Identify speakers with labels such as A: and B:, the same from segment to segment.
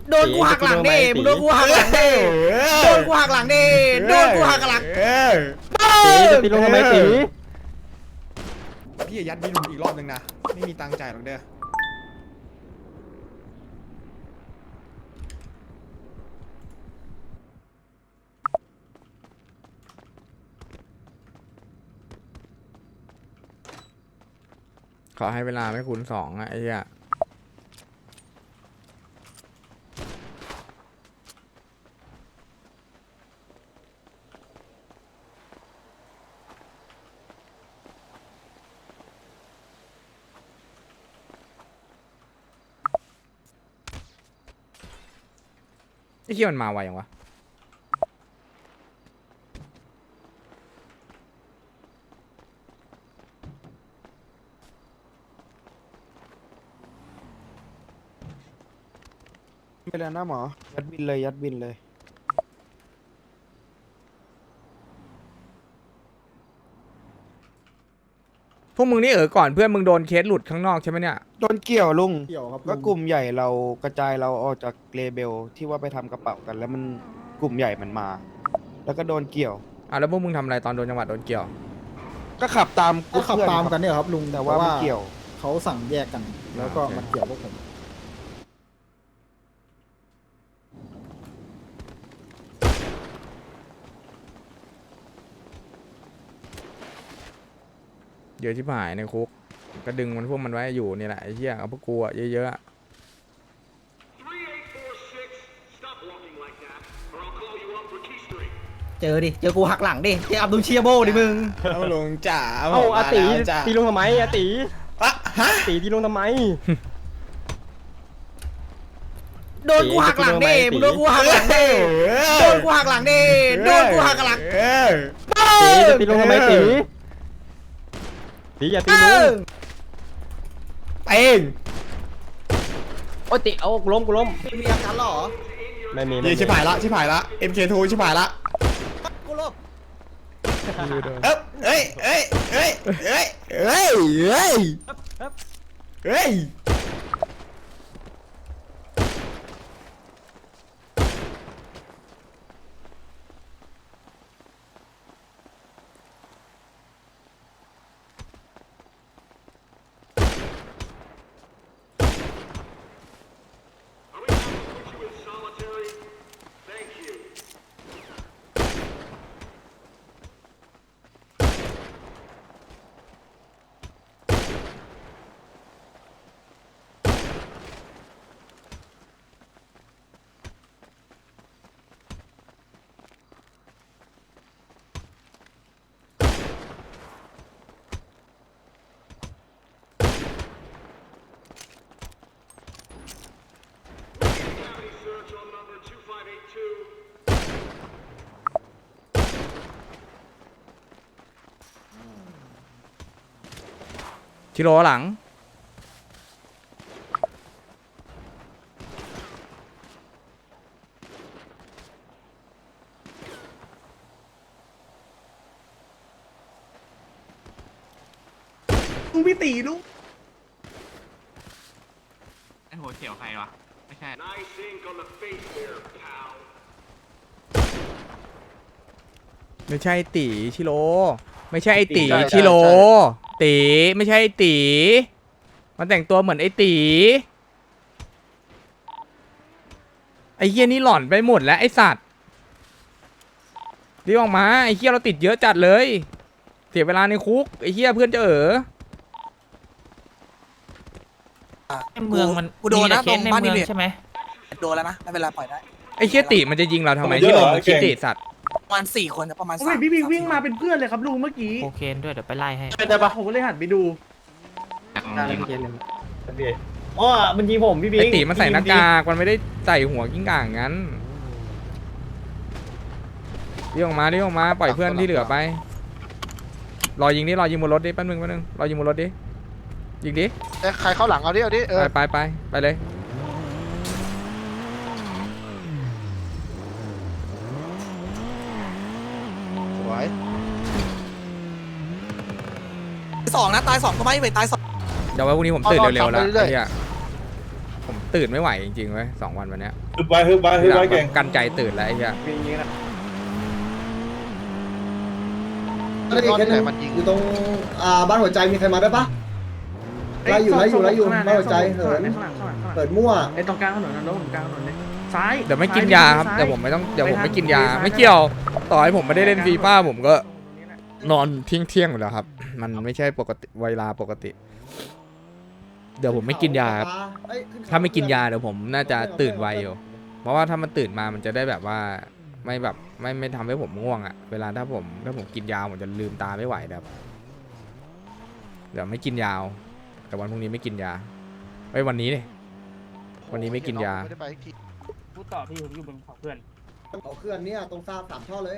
A: โดนกูหักหลังดิมึงโดนกูหักหลังดิโดนกูหักหลังดิโดนกูหักหลัง
B: ตีจะตีลงทำไมตี
C: พี่ยัดพี่ลุงอีกรอบนึงนะไม่มีตังค์จ่ายหรอกเด้อ
D: ขอให้เวลาไม่คูณ2อ่ะไอ้เหี้ยไอ้เหี้ยมันมาไวยังวะ
B: ไปแล้วนะหมอยัดบินเลยยัดบินเลย
D: พวกมึงนี่ก่อนเพื่อนมึงโดนเคสหลุดข้างนอกใช่ไหมเนี่ย
B: โดนเกี่ยวลุง
C: เกี่ยวครับ
B: ก็กลุ่มใหญ่เรากระจายเราออกจากเลเบลที่ว่าไปทำกระเป๋ากัน แล้วมันกลุ่มใหญ่มันมา แล้วก็โดนเกี่ยว
D: แล้วพวกมึงทำอะไรตอนโดนจังหวัดโดนเกี่ยว
B: ก็ขับตามก
E: ก็
B: ลุ่ม
E: ขับ
B: เพื่อน
E: ตาม
B: ค
E: กั
B: รั
E: น
B: บ
E: เนี่ยครับลุง
B: แต่ว่ามันเกี่ยว
E: เขาสั่งแยกกัน แล้วก็
D: โอเค
E: มันเกี่ยวพวกผม
D: เยอะชิบหายในคุกก็ดึงมันพวกมันไว้อยู่นี่แหละไอ้เหี้ยเอาพวกกูอะเยอะๆอะ
A: เจอดิเจอกูหักหลังดิเจออับดุลเชียโบดิมึง
C: เอาลุงจ๋า
B: เอ้าอาตี
C: จ๋า
B: ตีลงทำไมอาตี
C: อะฮะ
B: ตีตีลงทำไม
A: โดนกูหักหลังดิมึงโดนกูหักหลังดิโดนกูหักหลังดิโดนกูหักหลัง
B: ตีจะตีลงทำไมตีตีอย่าตีลุง
C: เอง
B: โอ้ยตีเอากูล้มกูล้ม
A: มีอาการหรอ
B: ไม่มี
C: นี่ชิบหายละชิบหายละ MK2 ชิบหายละ
A: กูลบ
C: เอ้ยเอ้ยเอ้ยเอ้ยเอ้ยเอ้ยเอ้ย
D: ชิโร่หลัง
C: ลุงพี่ตีลุง
F: ไอ้หัวเขียวใครวะ ไม่ใช่
D: ไม่ใช่ตีชิโร่ไม่ใช่ไอตีชิโร่ตีไม่ใช่ไอตีมันแต่งตัวเหมือนไอตีไอเฮียนี่หล่อนไปหมดแล้วไอสัตว์รีบออกมาไอเฮียเราติดเยอะจัดเลยเสียเวลาในคุกไอเฮียเพื่อนจะ
A: เมืองมันกูโดนนะตรงบ้านนี่ใช่ไหมโดนแล้วนะไม่เป็นไรปล่อยได้
D: ไอเฮียติมันจะยิงเราทำไมที่เราคิดติสัตว์
A: ประมาณ4 คนนะประมาณ
G: โอ้ยพี่บิ๊กวิ่งมาเป็นเพื่อนเลยครับลุงเมื่อกี้
A: โอเคด้วยเดี๋ยวไปไล่ให้
G: เป็นไงปะผมก็เลยหันไปดู
E: อ๋อมันยิงผมพี่บิ๊
D: ไอก ติมันใส่หน้ากากมันไม่ได้ใส่หัวกิ้งก่างงั้นเรียกออกมาปล่อยเพื่อนที่เหลือไปรอยิงบนรถดิแป๊บนึงรอยิงบนรถดิยิงดิ
B: ใครเข้าหลังเอาดิเอาดิ
D: ไปเลย
B: สวย
A: 2นะตาย2ก็ไม่เว้ยตาย2
D: เดี๋ยวไว้พรุ่งนี้ผมตื่นเร็วๆแล้วไอ้เหี้ยผมตื่นไม่ไหวจริงๆเว้ย2 วันวันเนี้ย
H: ฮึบไว้ฮึบไว้ฮึบไว้เก่ง
D: กันใจตื่นแล้วไอ้เหี้ย
C: อยู่ตรงบ้านหัวใจมีใครมาได้ปะไล่อยู่บ้านหัวใจเหินเปิดมั่ว
G: ไอ้ตรงกลางถนนนะรถผมกลางถนนเลยซ้าย
D: เดี๋ยวไม่กินยาครับเดี๋ยวผมไม่กินยาไม่เกี่ยวต่อให้ผมไม่ได้เล่นฟีฟ่าผมก็นอนเที่ยงอยู่แล้วครับ มันไม่ใช่ปกติเวลาปกติ เดี๋ยวผมไม่กินยาครับถ้าไม่กินยาเดี๋ยวผมน่าจะตื่นไวอยู่เพราะว่าถ้ามันตื่นมามันจะได้แบบว่าไม่ทำให้ผมง่วงอะเวลาถ้าผมกินยาผมจะลืมตาไม่ไหวครับเดี๋ยวไม่กินยาวแต่วันพรุ่งนี้ไม่กินยาไว้วันนี้เลยวันนี้ไม่กินยา
E: พูดต่อพี่ผมอยู่บนเขาเพื่อน
C: เอาเคลื่อนเนี่ยตรง3 ท่อเลย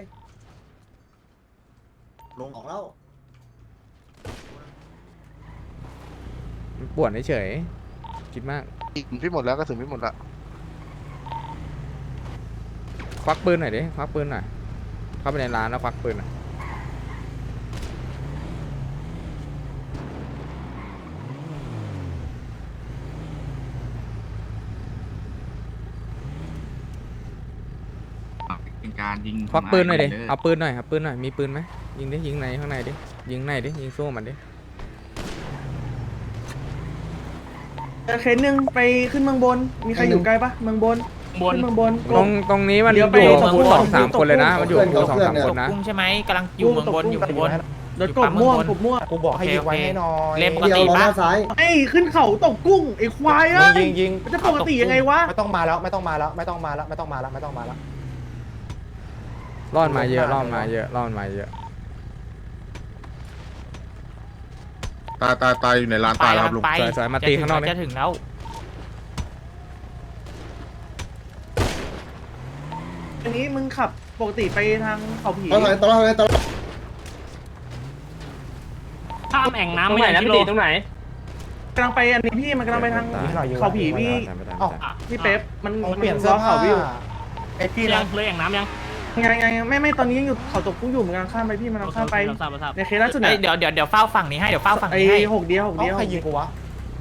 C: ลงออกแล้ว
D: มันปวดเฉยคิดมาก
B: พี่หมดแล้วก็ถึงพี่หมดละ
D: ควักปืนหน่อยดิควักปืนหน่อยเข้าไปในร้านแล้วควักปืนหน่อย
F: เป็นการยิง
D: ควักปืนหน่อยดิเอาปืนหน่อยครับปืนหน่อยมีปืนไหมยิงดิยิงในข้างในดิยิงในดิยิงสู้มันดิ
G: เคสหนึ่งไปขึ้นเมืองบนมีใครอยู่ใกล้ปะเมืองบนขึ้นเมืองบน
D: ตรงนี้มันอยู่กับกู2-3 คนเลยนะมันอยู่กับกู2-3 คนนะ
A: กุ้งใช่ไหมกำลังอยู่เมืองบนอยู่เมืองบน
G: รถกบม่วง
A: กูบอกให้ยิงไว้ให้น้อยเล่นปก
C: เดียว
A: ติ
C: รอห
A: ปะ
C: น้าซ้าย
G: ไอ้ขึ้นเขาตกกุ้งไอ้ควายเอ้ย
A: ยิง
G: มันจะปกติยังไงวะ
A: ไม่ต้องมาแล้วไม่ต้องมาแล้ว
D: รอดมาเยอะรอดมาเยอะ
H: ตายอยู่ในร้านตายแล้วครับลุง
D: สวยๆมาตีข้างนอกนี่
A: จะถึงแล้ว
G: อันนี้มึงขับปกติไปทางเขาผี
C: ตลอด
E: ข้ามแอ่งน้ำไม่ไหนแล้วพี่ตีตรงไหน
G: กำลังไปอันนี้พี่มันกำลังไปทางเขาผีพี่พี่เป๊ปมันเปลี่ยนเสื้อผ้าวิว
E: ไอ้พี่ยังเลยแอ่งน้ำยัง
G: ไงไม่ตอนนี้ยังอยู่เขาตกกุ้งอยู่มันกำลังข้ามไปพี่มันกำลังข้ามไปในเคสล่าสุด
A: เดี๋ยวเฝ้าฝั่งนี้ให้เดี๋ยวเฝ้าฝั่ง
G: ไอ้
A: นี้ให้
G: 6 เดียวใครยิงกูวะ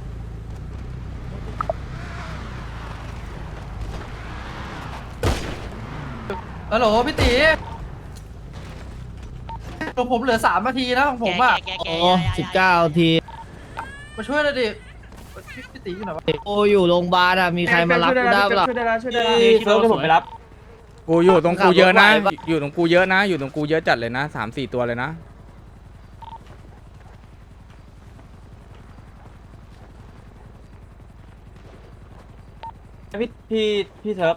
I: ฮัลโหลพี่ตีผมเหลือ3 นาทีนะของผมอ่ะ
E: 19 ที
I: มาช่วยหน่อยดิพี่ตีอยู่ไหนวะ
E: โออยู่โรงพยาบาลอ่ะมีใครมารับกูได้ปะ
G: ช่วยได้แล้ว
E: เซิร์ฟจะผมไปรับ
D: กูอยู่ตรงกูเยอะนะอยู่ตรงกูเยอะนะอยู่ตรงกูเยอะจัดเลยนะ 3-4 ตัวเลยนะ
E: พี่เซิร์ฟ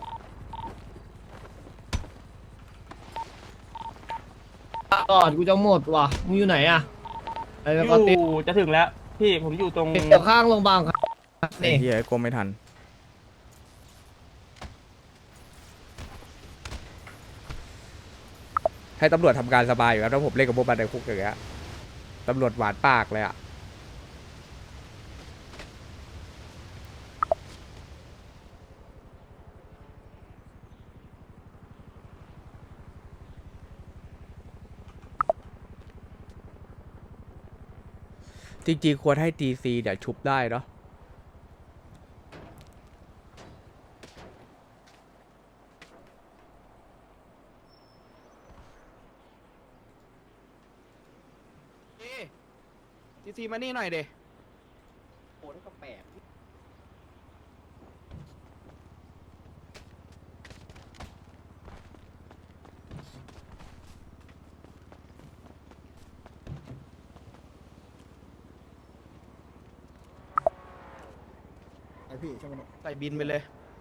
I: ก่อนกูจะหมดว่ะมึงอยู่ไหนอ่ะไอ้
E: อยู่จะถึงแล้วพี่ผมอยู่ตรง
I: เดี๋ยวข้างโรงพยาบาลครับ
D: ไอ้เหี้ยกลมไม่ทันให้ตำรวจทำการสบายอยู่ครับถ้าผมเล่นกับพวกบันไดคุกอย่างเงี้ยตำรวจหวานปากเลยอะจริงๆควรให้ GC เดี๋ยวชุบได้เนาะGC มานี่หน่อยเดโอ้ก็แปลกใส่บินไปเลย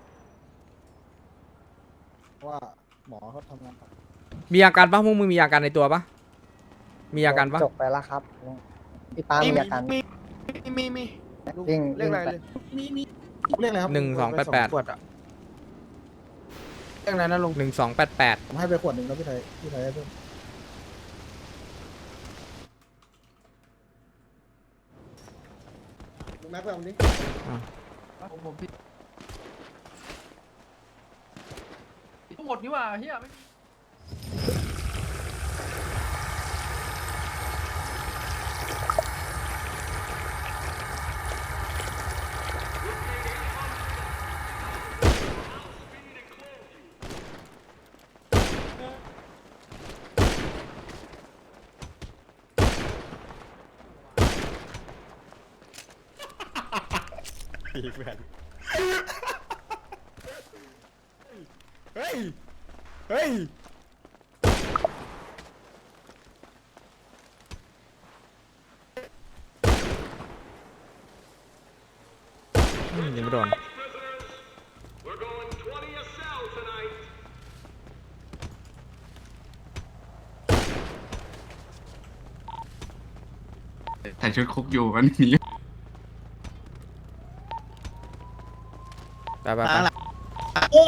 C: ว่าหมอเขาทำงาน
D: มีอาการปะพวกมึงมีอาการในตัวปะมีอาการปะ
C: จบไปแล้วครับพี่ป้ามีอาการ
D: มี
C: เรียกอะไรเลยเรียกอะไรครับ
D: 1288
B: ขวดอะเรื่องอะไรนะลุง
D: 1288
C: ผมให้ไปขวดหนึ่งแล้วพี่ไทยให้เพิ่มลุงแม็กไปเอาดิ
I: หมดนี่ว่าเฮียไม่
D: ปีกแผ่นเฮ้ยเฮ้ยยังไม่โดน
F: ใส่ชุดคุกอยู่วันนี้
D: ไป
A: โอ้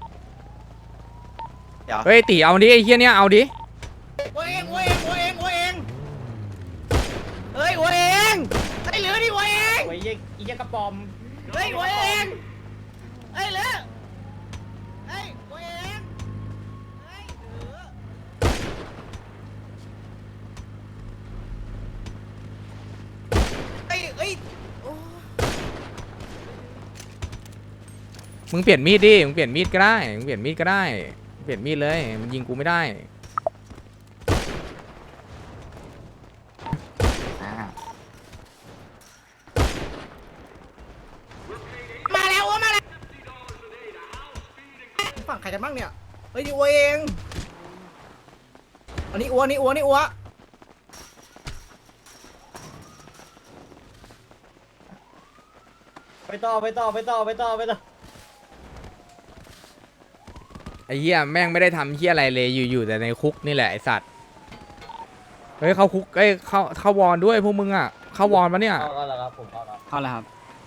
D: เฮ้ยตีเอาดิไอ้เหี้ยเนี้ยเอาดิ
A: วัวเองเฮ้ยวัวเองไอ้เหลือดิวัวเองวัวเองอีเจ้ากระป๋อมเฮ้ยวัวเองไอ้เหลือเฮ้ยวัวเองเฮ้ยเหลือเฮ้ยโอ้
D: มึงเปลี่ยนมีดดิมึงเปลี่ยนมีดก็ได้มึงเปลี่ยนมีดก็ได้เปลี่ยนมีดเลยมันยิงกูไม่ได้
A: มาแล้วมาแล้วฝั่งใครกันบ้างเนี่ยเฮ้ยนี่วัวเองอันนี้อัวนี่อัวไปต่อ
D: ไอ้เหี้ยแม่งไม่ได้ทำเหี้ยอะไรเลยอยู่แต่ในคุกนี่แหละไอ้สัตว์เฮ้ยเข้าคุกเอ้ยเข้าวอนด้วยพวกมึงอ่ะเข้าวอนปะเนี่ย
I: เข้าแล้วครับผมเข้าแล้ว
E: เข้าแล้วครับ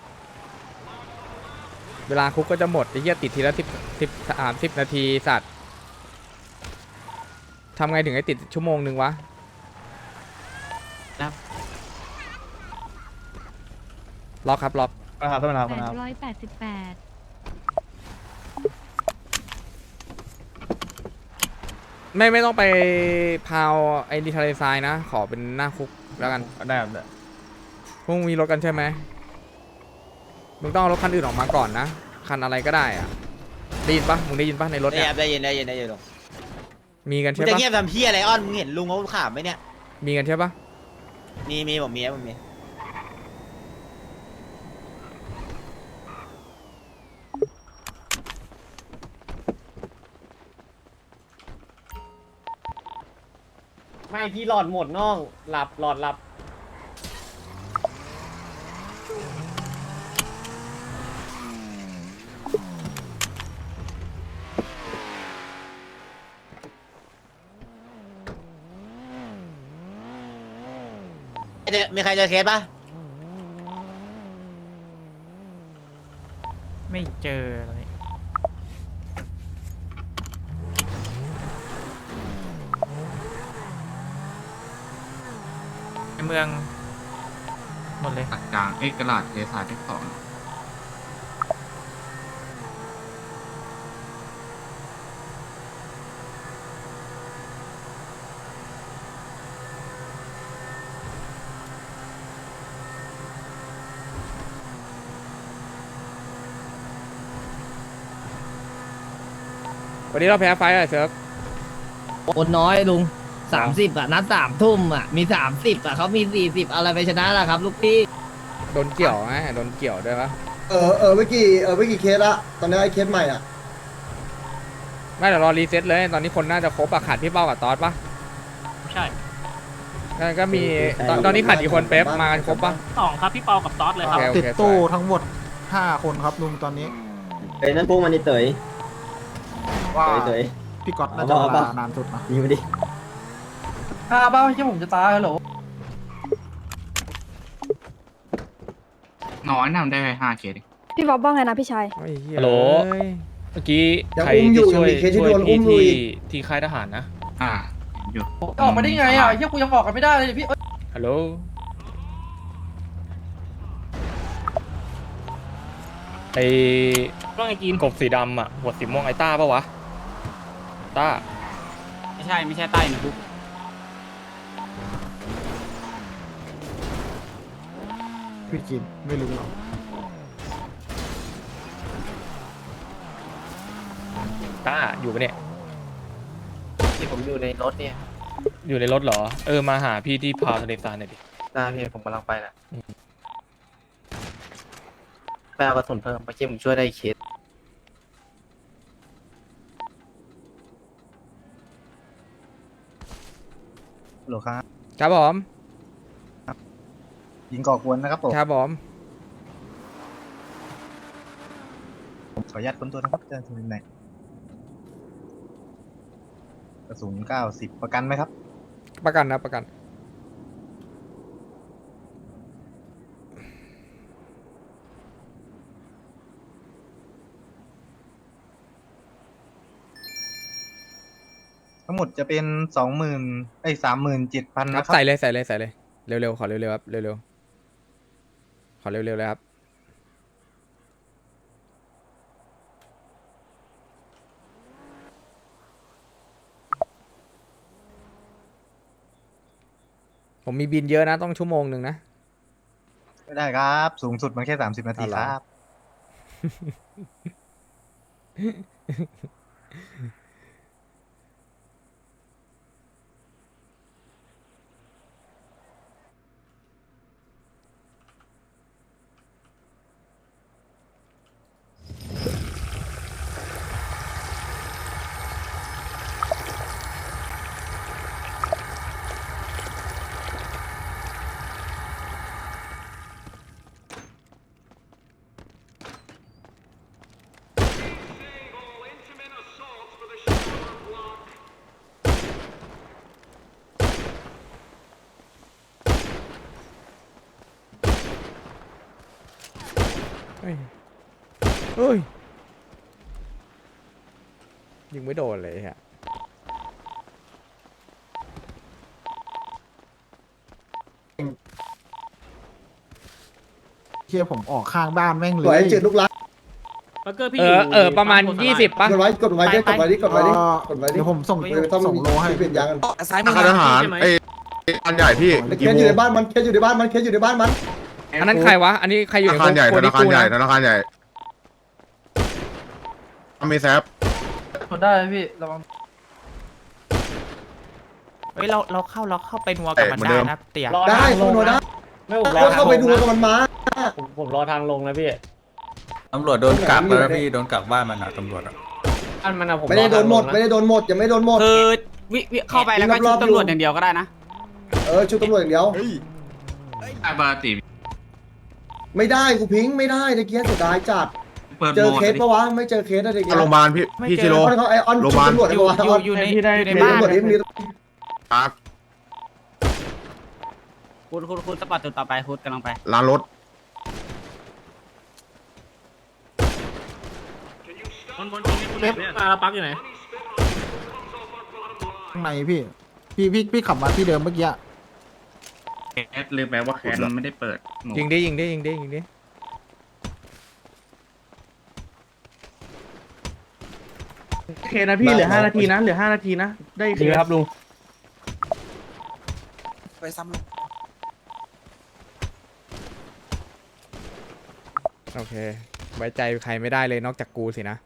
D: เวลาคุกก็จะหมดไอ้เหี้ยติดทีละ10 นาทีสัตว์ทำไงถึงให้ติดชั่วโมงนึงวะล็อกครับล็อก
G: ครับท่านประธานครับ
J: 888
D: ไม่ต้องไปพาวไอ้ดีทะเลทรายนะขอเป็นหน้าคุกแล้วกัน
G: ได้ครับได้
D: พวกมึงมีรถกันใช่ไหมมึงต้องเอารถคันอื่นออกมาก่อนนะคันอะไรก็ได้อะได้ยินปะมึงได้ยินปะในรถเนี่ย
A: ได้ยินลุง
D: มีกัน
A: มึง
D: ใช่
A: จะ
D: ปะ
A: เงียบทำพี่อะไรอ้อนมึงเห็นลุงเขาขำไหมเนี่ย
D: มีกันใช่ปะ
A: มีผมมี
I: ไม่พี่หลอดหมดน้องหลับ
A: มีใครเจอเคสปะ
E: ไม่เจอเลยในเมืองหมดเลย
F: ตัดกลางกระดาษเทสายที่2
D: วันนี้เราแพ้ไฟท์อะไรเซิร์ฟ
I: คนน้อยลุง30อ่ะนัด3 ทุ่มอ่ะมี30อ่ะเขามี40อะไรไปชนะล่ะครับลูกพี่
D: โดนเกี่ยวไหมโดนเกี่ยวด้วยปะ
C: ไม่กี่เคสละตอนนี้ไอ้เคสใหม่อ่ะ
D: ไม่เดี๋ยวรอรีเซ็ตเลยตอนนี้คนน่าจะครบอะขาดพี่เป้ากับตอสปะ
E: ใช่
D: ก็มีตอนนี้ขาดกี่คนเป๊ปมากันครบปะ
E: 2ครับพี่เปากับตอสเลยครับ
D: ติดตู้ทั้ง
G: 5 คนครับลุงตอนนี้
I: เอ้ยนั่นพวกมันนี่เต๋ย
G: ว่า
I: เต๋ย
G: พี่ก๊อตน่าจะเวลานานสุดนะ
I: ยิงมาดิ
E: เป้าที่ผมจะตายฮัลโหล
F: น้อยนำได้ไป5 เคส
J: พี่บ๊อบว่าไงนะพี่ชาย
D: ฮัลโหล
G: เมื่อกี้
C: ยังอุ้มอยู่ยังมีเคสที่โดนอุ้มอยู่อีก
G: ที่ค่ายทหารนะ
F: เห็นอยู่
E: ออกมาได้ไงอ่ะเฮียกูยังออกกันไม่ได้เลยพี่
D: ฮัลโหลไอ้
E: ว่าไงกิน
G: กบสีดำอ่ะหัวสีม่วงไอ้ต้าปะวะต้า
E: ไม่ใช่ใต้นะบุ๊ก
G: พี่กินไม่รู้หรอก ต้าอยู่ปะเนี่ย
I: ที่ผมอยู่ในรถเนี่ย
G: อยู่ในรถเหรอมาหาพี่ที่พาวทะเลทรายหน่อยดิ
I: ได้พี่ผมกำลังไปแหละ
E: ไปเอากระสุนเพิ่มเมื่อกี้ผมช่วยได้เคส
H: หรอครับ
D: ครับผม
H: ยิงก่อกวนนะครับผม
D: ครับผม
H: ขออนุญาตค้นตัวนะครับเจอที่ไหนกระสุน90ประกันไหมครับ
D: ประกันนะประกัน
H: ทั้งหมดจะเป็น37,000นะครับ
D: ใส่เลยใส่เลยใส่เลยเร็วๆขอเร็วๆครับเร็วๆขอเร็วๆเลยครับผมมีบินเยอะนะต้องชั่วโมงหนึ่งนะ
H: ไม่ได้ครับ สูงสุดมันแค่30 นาที
D: เอาเหรอ
H: ครับ
D: เฮ้ยเฮ้ยยิงไม่โดนเลยฮะ
G: เชี่ยผมออกข้างบ้านแม่งเล
C: สวย
G: ย
C: จืดลูกรัก
D: ประมาณ20ป่ะ
C: กดไว้กดไว้ดิกดไว้ดิกดไว้ดิกดไว้ดิ
G: เดี๋ยวผมส่ง
C: ต้อง
G: โลให้
C: เปลี่ยนยางกัน
B: ซ้ายมือ
H: ทหารไอ้อันใหญ่พี่
C: เคสอยู่ในบ้านมันเคสอยู่ในบ้านมันเคสอยู่ในบ้านมัน
D: อันนั้นใครวะอันนี้ใครอยู่ใน
H: ธนาคารใหญ่
D: โค
H: ธ
D: ดิ
H: นาคาร
D: กู
H: ใหญ่
D: นะ
H: ธนาคารใหญ่มีแซฟ
E: กดได้พี่ระวัง
A: เฮ้ยเราเข้าไปนัวกับมันได้นะเตี๋ย
C: ได้เข้าโนได้
A: ไม่ผมรอ
C: เข้าไปดูกับมันมา
A: ผมรอทางลงนะพี่
C: ตำรวจโดนกักแล้วพี่โดนกักบ้านมันอ่ะตำรวจ
A: อันมันอะผม
C: ไม่ได้โดนหมดไม่ได้โดนหมดยังไม่โดนหมด
A: คือวิเข้าไปแล้วก็ชุบตำรวจอย่างเดียวก็ได้นะ
C: ชุดตำรวจอย่างเดียว
F: อาบาติ
C: ไม่ได้กูพิงไม่ได้ตะเกียบเสียดายจัด
F: เปิด
C: เจ
F: โห
C: อ
F: มด
C: เคสปะวะไม่เจอเคสอะไรเงี้ย
H: โรงพยาบาลพี่ชิโร่
C: เขาไอออนชุดตำรวจ
A: อยู่
C: ปะวะ
A: อยู่ใน
G: ที่ได้
A: อยู่ใน
C: เห็น
A: บ้าน
C: ตำรวจนี่มี
H: พัก
A: คุณสปอร์ตจุดต่อไปคุณกำลังไป
H: ร้านรถ
A: เล็บปักอยู่ไหน
G: ข้างในพี่ขับมาที่เดิมเมื่อกี้
F: แอดลืมไปว่าแคนไม่ได้เปิดหมู
D: ยิงดิยิงดิยิงดิยิงดิ
G: โอเคนะพี่เหลือ5 นาทีนะเหลือ5 นาทีนะได้เคสครับลุง
B: ไปซ้ำ
D: โอเคไว้ใจใครไม่ได้เลยนอกจากกูสินะ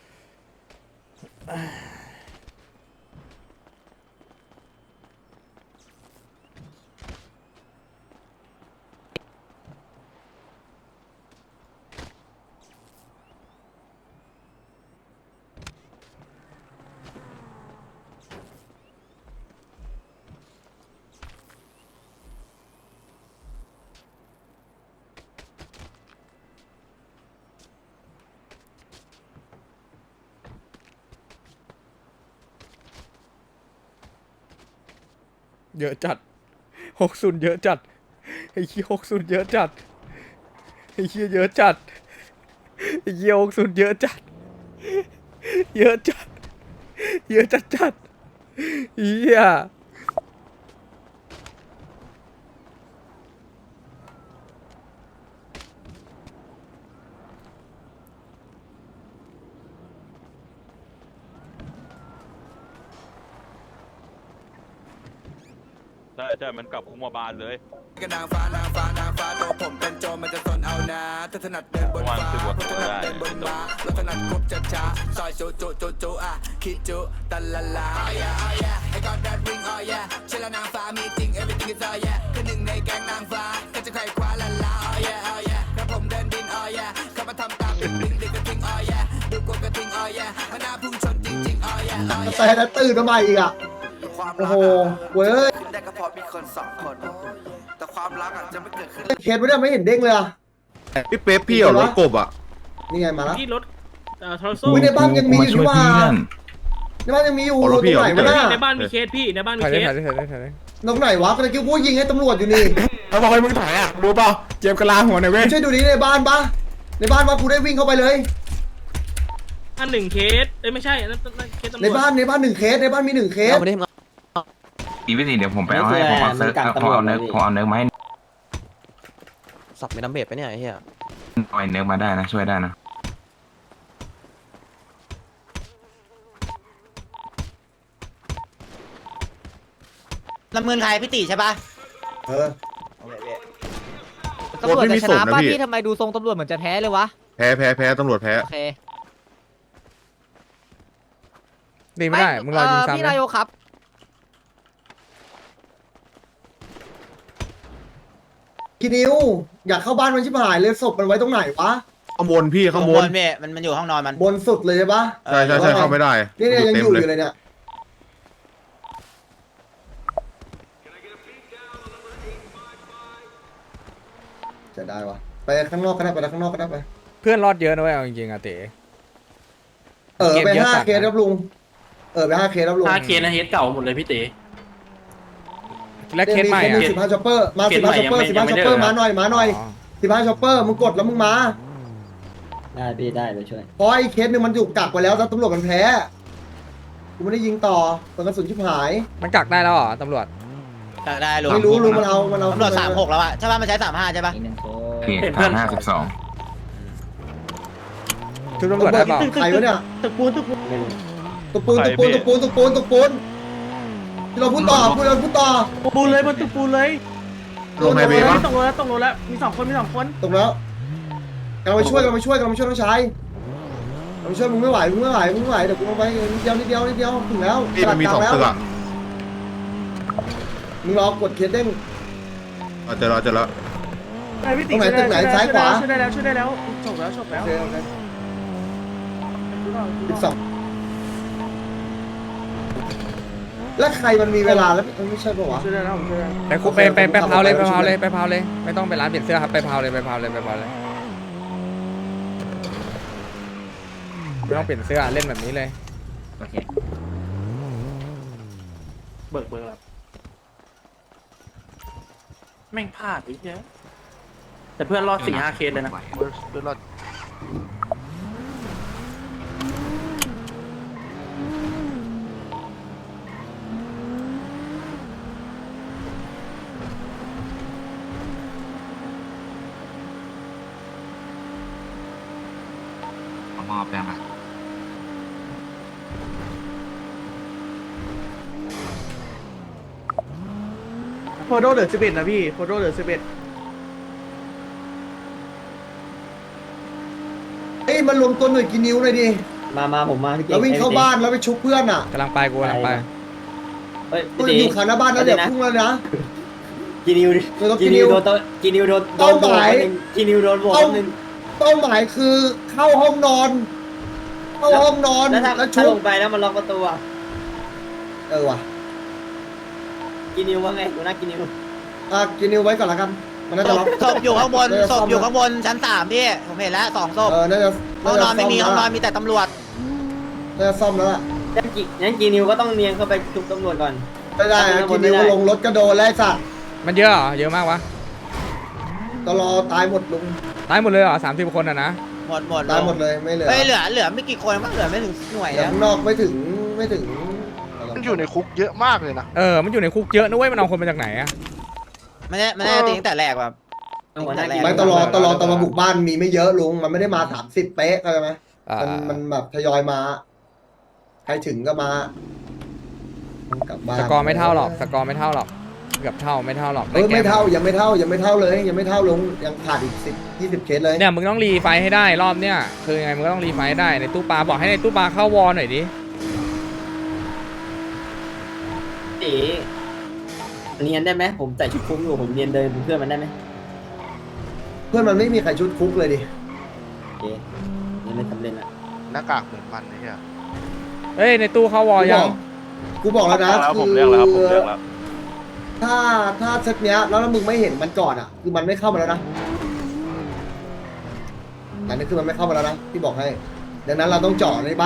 D: เยอะจัด60เยอะจัดไอ้เหี้ย60เยอะจัดไอ้เหี้ยเยอะจัดไอ้เหี้ย60เยอะจัดเยอะจัดเยอะจัดจัดเหี้ย
K: ใช่มันกลับคุมาบานเลย
B: นางฟ้ตัวผมเป็นโจรมันจะสนเอานะถ้าถนัดเดินบนฟ้าถนัดเดินบนม้าแล้วถนัดคุบช้าซอยจุอ่ะคิดจุตะละลา oh yeah I got that ring oh yeah เชื่อแล้วนางฟ้ามีจริง everything is oh yeah คือหนึ่งในแก๊งนางฟ้าก็จะใครคว้าละลา oh yeah ครับผมเดินดิน oh yeah yeah มันน่าพุ่งชนจริงๆoh yeah oh yeah
C: แต่แล้วตื่นมาใหม่อีกอ่ะ
B: ความ
C: โอ้
B: รัก
C: โหเว้ย
B: ขึ้นได้ก็เพราะมีคนสองคน แต่ความรักอ่ะจะไม่เกิดขึ้น
C: เคสไม่ได้ไม่เห็นเด้งเลยอ่ะ
H: พี่เป๊ปพี่เอารถกบอ่ะ
C: นี่ไงมาแล้ว
G: ที่รถทรโซ
C: อุ้ยในบ้านยังมีอยู่นี่ว่าในบ้านยังมีอยู่ตรงไหนวะน่ะ
G: ในบ้านมีเคสพี่ในบ้านมี
D: ถ่าย
G: เค
D: ได้
G: ส
D: ถ่ายได้ถ่ายได้ถ่ายได้
C: ตรงไหนวะกระกิ้วกูยิงให้ตำรวจอยู่นี่
D: เขาบอกให้มึงถอยอ่ะรู้เปล่าเจ็บกระลาหัวหน่อยเว้ย
C: ช่วยดูดิในบ้านปะในบ้านปะกูได้วิ่งเข้าไปเลย
G: อันหนึ่งเคสไม่ใช่นั่นเคสตำรวจ
C: ในบ้านหนึ่งเคสในบ้านมีหนึ่งเคส
F: อีวิธีเดี๋ยวผมไปเอาให้ผมเอาเนื้อมาให้
E: สับไม่น้ำเบ็ดไปเนี่ยไอ้เหี้ย
F: เอาเนื้อมาได้นะช่วยได้นะ
A: ลำเงินใครพี่ติใช่ปะ
C: เออ
I: ตำรวจจะชนะป้าพี่ทำไมดูทรงตำรวจเหมือนจะแพ้เลยวะ
H: แพ้ตำรวจแพ้
I: โอเค
D: ดีไม่ได้มึงรอยิงซ้ำ
I: พี่
D: นะ
I: นายกครับ
C: กินิวอยากเข้าบ้านมันชิบหายเลยศพมันไว้ตรงไหนวะ
H: ข้างบนพี่ข้างบน
A: มันอยู่ห้องนอนมัน
C: บนสุดเลยใช่ปะ
H: ใช่เข้าไม่ได้
C: นี่เนี่ยยังอยู่อยู่เลยเนี่ยจะได้วะไปข้างนอกก็ได้ไปข้างนอกก็ได้ไป
D: เพื่อนรอดเยอะนะเว้ยเอาจริงๆอะเต๋
C: ไป5 เคสครับลุงไป5 เคสครับลุง
G: 5 เคสนะเฮดเก่าหมดเลยพี่ติ
D: และเคสใหม่อ่ะ
C: 15ช็อปเปอร์มา15ช็อปเปอร์15ช็อปเปอร์มาหน่อย15ช็อปเปอร์มึงกดแล้วมึงมา
I: ได้พี่ได้ไปช่วย
C: เพราะไอ้เคสนึงมันอยู่กักไปแล้วแล้วตำรวจมันแพ้กูไม่ได้ยิงต่อตอนกระสุนชิบหาย
D: มันกักได้แล้วเหรอตำรวจ
A: ได้ลุง
C: ไม่รู้ลุงมันเอา
A: ตำรวจ36แล้วอะใช่ปะมันใช้35ใช่ปะ
I: อีกหนึ่งโค้
F: พี่52
D: ชุดตำรวจได้เปล่า
C: ใครวะเนี่ย
G: ตึกปูน
C: ตุกปูนที่เราพูดต่อ
G: ปูนเลยบนตึกปูนเลย
H: ลงไฮเวย์ปะ
G: ตกรถแล้วมี2 คน
C: ตกแล้วกำลังไปช่วยน้องชายกำลังไปช่วยมึงไม่ไหวเดี๋ยวกูลงไปนิดเดียวถึงแล้ว
H: พี่มันมี2ตึกอ่ะ
C: มึงรอกดเคสเด้ง
H: เจอแล้ว
C: ตรงไหนตึกไหนซ้ายขวา
G: ช่วยได้แล้วจบแล้ว
C: อีก2แล้วใครมันมีเวลาแล้วไม่ใช่ปะวะ
G: ช่วยได้แล้ว
D: ไปคุไปเผาเลยไม่ต้องไปร้านเปลี่ยนเสื้อครับไปเผาเลยไม่ต้องเปลี่ยนเสื้อเล่นแบบนี้เลย
I: โอเค
G: เบิกครับแม่งพลาดอีกเยอะแต่เพื่อนรอด 4-5 เคสเลยนะ
F: มอบได้ไหม
G: โฟโดเหลือ11นะพี่โฟโดเหลือ11
C: เอ้ยมันรวมตัวหน่วยกินนิ้วเลยดิ
I: มาผมมาพี่เก่ง
C: แล้ววิ่งเข้าบ้านแล้วไปชุบเพื่อนอ่ะ
D: กำลังไปกูกำลังไป
I: เฮ้ย
C: กูอยู่ขาหน้าบ้านแล้วเดี๋ยวพุ่งแล้วนะ
I: กินิว
C: กินิวโดน
I: กินิวโดน
C: เป้าหมาย
I: กินิวโดนโหวตนึง
C: เป้าหมายคือเข้าห้องนอนแล้วชุ
I: ถ้า
C: บ
I: ลงไปแล้วมันล็อกประตูอ่ะ
C: ว่ะ
I: กินิวว่าไงหัวหน้ากินิว
C: กินนิ้วไว้ก่อนละกันมันน่าจะล็อก
A: ศพอยู่ข้างบนชั้น3พี่ผมเห็นแล้ว2 ศพ
C: น่าจะ
A: ห้องนอนไม่มีห้องนอนมีแต่ตำรวจ
C: น่าจะซ่อมแล้วล่ะ
I: งั้นกินิวก็ต้องเนียงเข้าไปชุบตำรวจก่อน
C: ไม่ได้กินนิ้วก็ลงรถก็โดนแล้วสัตว์
D: มันเยอะเหรอเยอะมากวะ
C: ตลอตายหมดลุง
D: ตายหมดเลยเหรอ30 คนอะนะ
A: หมด
C: ตายหมดเลยไม่เหลือ
A: เฮ้ยเหลือไม่กี่คนมั้งเหลือไม่ถึงหน่วย
C: แต่
A: แล้ว
C: ข้างนอกไม่ถึง
H: มันอยู่ในคุกเยอะมากเลยนะ
D: มันอยู่ในคุกเยอะนะเว้ยมันเอาคนมาจากไหนอะ
A: ไม่ได้ตีตั้งแต่แรกแบบ
C: ไม่ตลอบุกบ้านมีไม่เยอะลุงมันไม่ได้มา30เป๊ะเข้าใจไหมมันแบบทยอยมาใครถึงก็มากลับบ้าน
D: สกอร์ไม่เท่าหรอกเกือบเท่าไม่เท่าหรอก
C: ไม่เท่ายังไม่เท่าเลยยังไม่เท่าลุงยังขาดอีก10-20 เคสเลย
D: เนี่ยมึงต้องรีไฟให้ได้รอบเนี้ยคือไงมึงก็ต้องรีไฟให้ได้ในตู้ปลาบอกให้ในตู้ปลาเข้าวอลหน่อยดิ
I: ตีเนียนได้ไหมผมใส่ชุดคุ้มอยู่ผมเนียนเดินเพื่อนมันได้ไหม
C: เพื่อนมันไม่มีใครชุดคุกเลยดิ
I: โอเคนี่ไม่สำเร็จละ
K: หน้ากากเหมือนมันนะเนี่ย
D: เฮ้ยในตู้เข้าวอยัง
C: กูบอกแล้วนะ
K: แล้ว
C: คื
K: ผมเรียกแล้วครับผมเรียกแล้ว
C: ถ้าเซตเนี้ยแล้วมึงไม่เห็นมันก่อนอ่ะคือมันไม่เข้ามาแล้วนะอันนี้คือมันไม่เข้ามาแล้วนะที่บอกให้ ดังนั้นเราต้องเจาะในบ้าน